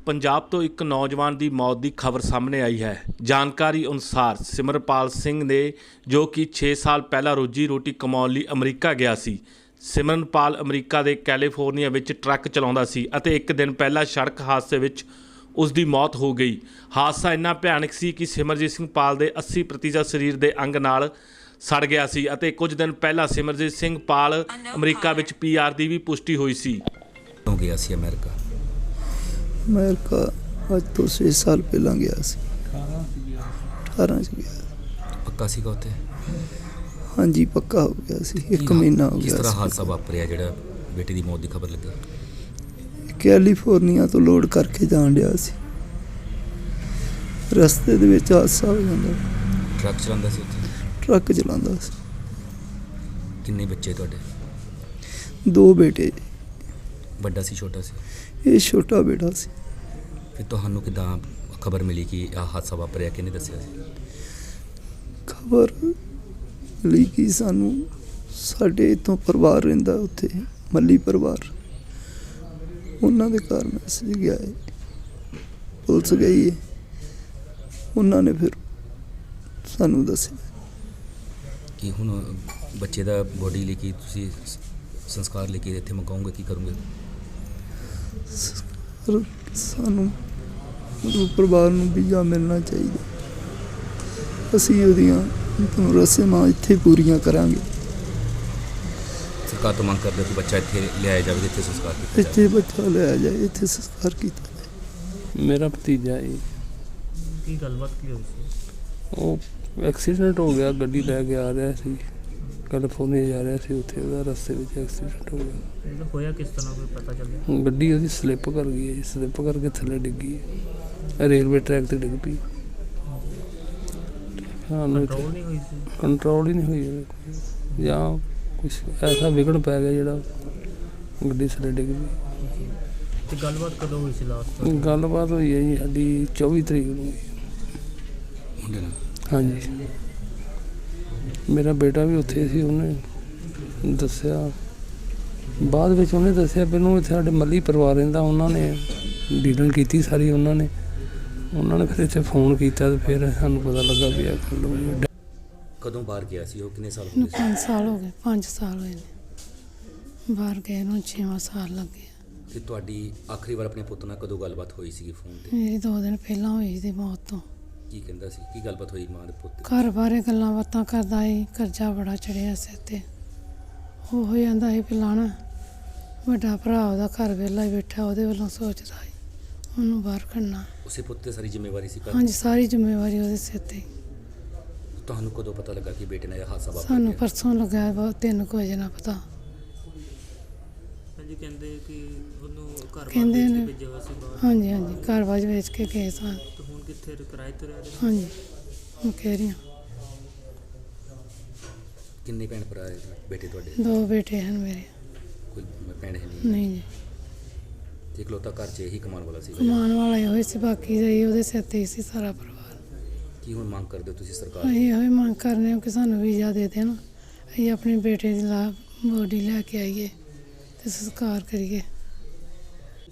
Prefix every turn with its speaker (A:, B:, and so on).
A: ਪੰਜਾਬ ਤੋਂ ਇੱਕ ਨੌਜਵਾਨ ਦੀ ਮੌਤ ਦੀ ਖਬਰ ਸਾਹਮਣੇ ਆਈ ਹੈ। ਜਾਣਕਾਰੀ ਅਨੁਸਾਰ ਸਿਮਰਪਾਲ ਸਿੰਘ ਨੇ ਜੋ ਕਿ 6 ਸਾਲ ਪਹਿਲਾਂ ਰੋਜੀ ਰੋਟੀ ਕਮਾਉਣ ਲਈ ਅਮਰੀਕਾ ਗਿਆ ਸੀ। ਸਿਮਰਨਪਾਲ ਅਮਰੀਕਾ ਦੇ ਕੈਲੀਫੋਰਨੀਆ ਵਿੱਚ ਟਰੱਕ ਚਲਾਉਂਦਾ ਸੀ ਅਤੇ ਇੱਕ ਦਿਨ ਪਹਿਲਾਂ ਸੜਕ ਹਾਦਸੇ ਵਿੱਚ ਉਸ ਦੀ ਮੌਤ ਹੋ ਗਈ। ਹਾਦਸਾ ਇੰਨਾ ਭਿਆਨਕ ਸੀ ਕਿ ਸਿਮਰਜੀਤ ਸਿੰਘ ਪਾਲ ਦੇ 80% ਸਰੀਰ ਦੇ ਅੰਗ ਨਾਲ ਸੜ ਗਿਆ ਸੀ ਅਤੇ ਕੁਝ ਦਿਨ ਪਹਿਲਾਂ ਸਿਮਰਜੀਤ ਸਿੰਘ ਪਾਲ ਅਮਰੀਕਾ ਵਿੱਚ PR ਦੀ ਵੀ ਪੁਸ਼ਟੀ ਹੋਈ ਸੀ।
B: ਹੋ ਗਿਆ ਸੀ ਅਮਰੀਕਾ
C: ਅੱਜ ਤੋਂ 6 ਸਾਲ ਪਹਿਲਾਂ ਗਿਆ ਸੀ। 18 ਚ ਗਿਆ।
B: ਪੱਕਾ ਸੀਗਾ ਉੱਥੇ?
C: ਹਾਂਜੀ ਪੱਕਾ ਹੋ ਗਿਆ ਸੀ। 1 ਮਹੀਨਾ ਹੋ ਗਿਆ।
B: ਕਿਸ ਤਰ੍ਹਾਂ ਹਾਦਸਾ ਵਾਪਰਿਆ ਜਿਹੜਾ ਬੇਟੀ ਦੀ ਮੌਤ ਦੀ ਖਬਰ ਲੱਗੀ?
C: ਕੈਲੀਫੋਰਨੀਆ ਤੋਂ ਲੋਡ ਕਰਕੇ ਜਾਣ ਡਿਆ ਸੀ, ਰਸਤੇ ਦੇ ਵਿੱਚ ਹਾਦਸਾ ਹੋ ਜਾਂਦਾ।
B: ਟਰੱਕ ਚਲਾਉਂਦਾ ਸੀ ਉੱਥੇ?
C: ਟਰੱਕ ਚਲਾਉਂਦਾ ਸੀ।
B: ਕਿੰਨੇ ਬੱਚੇ ਤੁਹਾਡੇ?
C: 2 ਬੇਟੇ।
B: ਵੱਡਾ ਸੀ ਛੋਟਾ ਸੀ?
C: ਇਹ ਛੋਟਾ ਬੇਟਾ ਸੀ।
B: ਫਿਰ ਤੁਹਾਨੂੰ ਕਿੱਦਾਂ ਖਬਰ ਮਿਲੀ ਕਿ ਆਹ ਹਾਦਸਾ ਵਾਪਰਿਆ? ਕਿਹਨੇ ਦੱਸਿਆ ਸੀ?
C: ਖਬਰ ਲਈ ਕਿ ਸਾਨੂੰ ਸਾਡੇ ਇੱਥੋਂ ਪਰਿਵਾਰ ਰਹਿੰਦਾ ਉੱਥੇ, ਮੱਲੀ ਪਰਿਵਾਰ, ਉਹਨਾਂ ਦੇ ਘਰ ਮੈਸੇਜ ਗਿਆ ਹੈ, ਪੁਲਿਸ ਗਈ ਹੈ, ਉਹਨਾਂ ਨੇ ਫਿਰ ਸਾਨੂੰ ਦੱਸਿਆ
B: ਕਿ ਹੁਣ ਬੱਚੇ ਦਾ ਬੋਡੀ ਲੈ ਕੇ ਤੁਸੀਂ ਸੰਸਕਾਰ ਲੈ ਕੇ ਇੱਥੇ ਮੰਗਾਉਂਗੇ, ਕੀ ਕਰੋਗੇ?
C: ਸਾਨੂੰ ਪਰਿਵਾਰ ਨੂੰ ਵੀਜ਼ਾ ਮਿਲਣਾ ਚਾਹੀਦਾ। ਅਸੀਂ ਉਹਦੀਆਂ ਰਸਮਾਂ ਇੱਥੇ ਪੂਰੀਆਂ ਕਰਾਂਗੇ।
B: ਸਰਕਾਰ ਤੋਂ ਮੰਗ ਕਰਦੇ ਕਿ ਬੱਚਾ ਇੱਥੇ ਲਿਆਇਆ ਜਾਵੇ, ਇੱਥੇ ਸੰਸਕਾਰ ਕੀਤਾ ਜਾਵੇ।
C: ਇੱਥੇ ਬੱਚਾ ਲਿਆਇਆ ਜਾਏ, ਇੱਥੇ ਸੰਸਕਾਰ ਕੀਤਾ ਜਾਏ।
D: ਮੇਰਾ ਭਤੀਜਾ ਹੈ।
E: ਕੀ ਗੱਲਬਾਤ ਕੀ ਹੋਈ ਸੀ?
D: ਉਹ ਐਕਸੀਡੈਂਟ ਹੋ ਗਿਆ, ਗੱਡੀ ਲੈ ਕੇ ਆ ਰਿਹਾ ਸੀ, ਕੈਲੀਫੋਰਨੀਆ ਜਾ ਰਿਹਾ ਸੀ, ਉੱਥੇ ਉਹਦਾ ਰਸਤੇ ਵਿੱਚ ਐਕਸੀਡੈਂਟ ਹੋ ਗਿਆ।
E: ਮਤਲਬ ਹੋਇਆ ਕਿਸ ਤਰ੍ਹਾਂ, ਕੋਈ ਪਤਾ ਚੱਲਿਆ?
D: ਗੱਡੀ ਉਹਦੀ ਸਲਿੱਪ ਕਰ ਗਈ ਹੈ ਜੀ, ਸਲਿੱਪ ਕਰਕੇ ਥੱਲੇ ਡਿੱਗੀ ਹੈ, ਰੇਲਵੇ ਟਰੈਕ 'ਤੇ ਡਿੱਗ ਪਈ।
E: ਕੰਟਰੋਲ ਨਹੀਂ ਹੋਈ ਸੀ?
D: ਕੰਟਰੋਲ ਹੀ ਨਹੀਂ ਹੋਈ, ਜਾਂ ਕੁਛ ਐਸਾ ਵਿਗੜ ਪੈ ਗਿਆ ਜਿਹੜਾ ਗੱਡੀ ਥੱਲੇ ਡਿੱਗ ਪਈ।
E: ਤੇ ਗੱਲਬਾਤ ਕਦੋਂ ਹੋਈ ਸੀ ਲਾਸਟ?
D: ਗੱਲਬਾਤ ਹੋਈ ਹੈ ਜੀ ਸਾਡੀ 24 ਤਰੀਕ ਨੂੰ।
B: ਮੁੰਡੇ ਨਾਲ?
D: ਹਾਂਜੀ, ਮੇਰਾ ਬੇਟਾ ਵੀ ਉੱਥੇ ਸੀ। ਉਹਨੇ ਦੱਸਿਆ ਬਾਅਦ ਵਿੱਚ, ਉਹਨੇ ਦੱਸਿਆ ਮੈਨੂੰ ਇੱਥੇ ਸਾਡੇ ਮੱਲੀ ਪਰਿਵਾਰ ਰਹਿੰਦਾ, ਉਹਨਾਂ ਨੇ ਡੀਲਿੰਗ ਕੀਤੀ ਸਾਰੀ। ਉਹਨਾਂ ਨੇ ਫਿਰ ਇੱਥੇ ਫੋਨ ਕੀਤਾ ਤੇ ਫਿਰ ਸਾਨੂੰ ਪਤਾ ਲੱਗਾ ਵੀ ਇਹ ਗੱਲ ਹੋਈ।
B: ਕਦੋਂ ਬਾਹਰ ਗਿਆ ਸੀ ਉਹ? ਕਿੰਨੇ ਸਾਲ ਹੋ ਗਏ?
F: 5 ਸਾਲ ਹੋ ਗਏ। 5 ਸਾਲ ਹੋਏ ਨੇ ਬਾਹਰ ਗਏ ਨੂੰ, 6ਵਾਂ ਸਾਲ ਲੱਗੇ।
B: ਤੇ ਤੁਹਾਡੀ ਆਖਰੀ ਵਾਰ ਆਪਣੇ ਪੁੱਤ ਨਾਲ ਕਦੋਂ ਗੱਲਬਾਤ ਹੋਈ ਸੀਗੀ ਫੋਨ ਤੇ?
F: ਮੇਰੀ 2 ਦਿਨ ਪਹਿਲਾਂ ਹੋਈ ਸੀ ਮੌਤ ਤੋਂ।
B: ਕੀ ਕਹਿੰਦਾ ਸੀ? ਕੀ ਗੱਲਬਾਤ ਹੋਈ ਮਾਂ ਦੇ ਪੁੱਤ ਦੀ?
F: ਘਰ ਬਾਰੇ ਗੱਲਾਂ ਬਾਤਾਂ ਕਰਦਾ ਸੀ, ਕਰਜ਼ਾ ਬੜਾ ਚੜਿਆ ਸਿਰ ਤੇ। ਉਹ ਹੋ ਜਾਂਦਾ ਸੀ ਪਿਲਾਣਾ, ਵੱਡਾ ਭਰਾ ਉਹਦਾ ਘਰ ਵਿਹਲਾ ਹੀ ਬੈਠਾ, ਉਹਦੇ ਵੱਲੋਂ ਸੋਚਦਾ ਸੀ ਉਹਨੂੰ ਬਾਹਰ ਕੱਢਣਾ।
B: ਉਸੇ ਪੁੱਤ ਤੇ ਸਾਰੀ ਜ਼ਿੰਮੇਵਾਰੀ ਸੀ?
F: ਹਾਂਜੀ, ਸਾਰੀ ਜ਼ਿੰਮੇਵਾਰੀ ਉਹਦੇ ਸਿਰ ਤੇ।
B: ਤੁਹਾਨੂੰ ਕਦੋਂ ਪਤਾ ਲੱਗਾ ਕਿ ਬੇਟੇ ਨਾਲ ਇਹ ਹਾਦਸਾ ਵਾਪਰ
F: ਸਾਨੂੰ
B: ਗਿਆ?
F: ਪਰਸੋਂ ਲੱਗਾ, 3 ਵਜੇ ਨਾ ਪਤਾ।
E: ਹਾਂਜੀ, ਕਹਿੰਦੇ ਕਿ ਉਹਨੂੰ ਘਰ
F: ਕਹਿੰਦੇ
E: ਬਾਹਰ
F: ਨੇ।
E: ਭੇਜਿਆ ਹੋਇਆ ਸੀ ਬਾਹਰ।
F: ਹਾਂਜੀ ਘਰ ਬਾਜ ਵੇਚ ਕੇ ਗਏ ਸਾਂ।
E: ਤੇ ਹੁਣ ਕਿੱਥੇ ਕਿਰਾਏ ਤੇ ਰਹਿ ਰਹੇ?
F: ਹਾਂਜੀ, ਮੈਂ ਕਹਿ ਰਹੀ ਹਾਂ।
B: ਕਿੰਨੇ ਭੈਣ ਭਰਾ ਹੈ ਬੇਟੇ ਤੁਹਾਡੇ?
F: 2 ਬੇਟੇ ਹਨ ਮੇਰੇ।
B: ਕੋਈ ਭੈਣ ਹੈ ਨਹੀਂ?
F: ਨਹੀਂ ਜੀ,
B: ਤੇ ਇਕਲੌਤਾ ਘਰ 'ਚ ਇਹੀ ਕਮਾਉਣ ਵਾਲਾ ਸੀ?
F: ਕਮਾਉਣ ਵਾਲਾ ਇਹੋ ਹੀ ਸੀ, ਬਾਕੀ ਦਾ ਉਹਦੇ ਸਿਰ ਤੇ ਹੀ ਸੀ ਸਾਰਾ ਪਰਿਵਾਰ।
B: ਕੀ ਹੁਣ ਮੰਗ ਕਰਦੇ ਹੋ ਤੁਸੀਂ ਸਰਕਾਰ?
F: ਅਸੀਂ ਇਹੋ ਹੀ ਮੰਗ ਕਰਨੇ ਹਾਂ ਕਿ ਸਾਨੂੰ ਵੀਜ਼ਾ ਦੇ ਦੇਣ, ਅਸੀਂ ਆਪਣੇ ਬੇਟੇ ਦੀ ਬੋਡੀ ਲੈ ਕੇ ਆਈਏ ਤੇ ਸੰਸਕਾਰ ਕਰੀਏ।